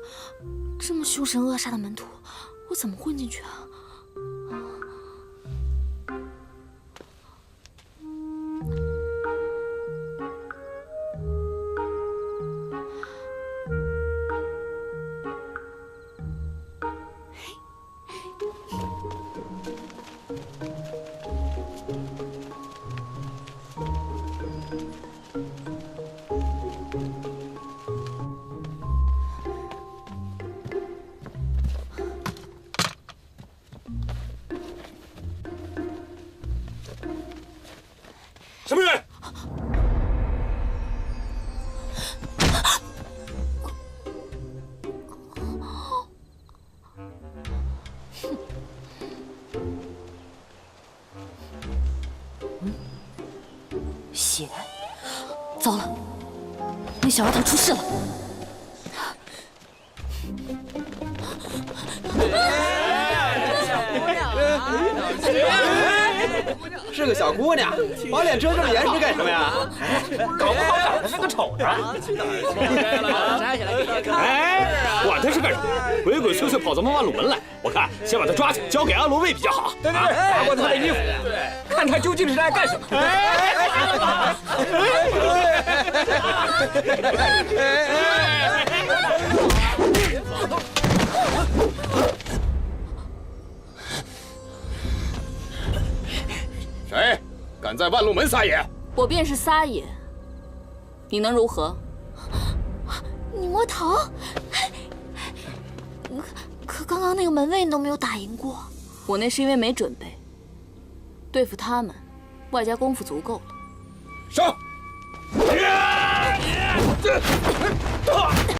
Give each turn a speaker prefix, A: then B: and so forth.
A: 这么凶神恶煞的门徒，我怎么混进去啊？
B: 什么人？
A: 血！糟了，那小丫头出事了！
C: 是个小姑娘，把脸遮这么严实干什么呀？
B: 搞不好长得是个丑的。哎，管他是干什么，鬼鬼祟祟跑咱们万鲁门来，我看先把他抓起来交给阿罗卫比较好。对，扒光他的衣服，看他究竟是来干什么。谁敢在万路门撒野？
A: 我便是撒野，你能如何？你摸头？可刚刚那个门卫你都没有打赢过。我那是因为没准备，对付他们，外加功夫足够了。
B: 上！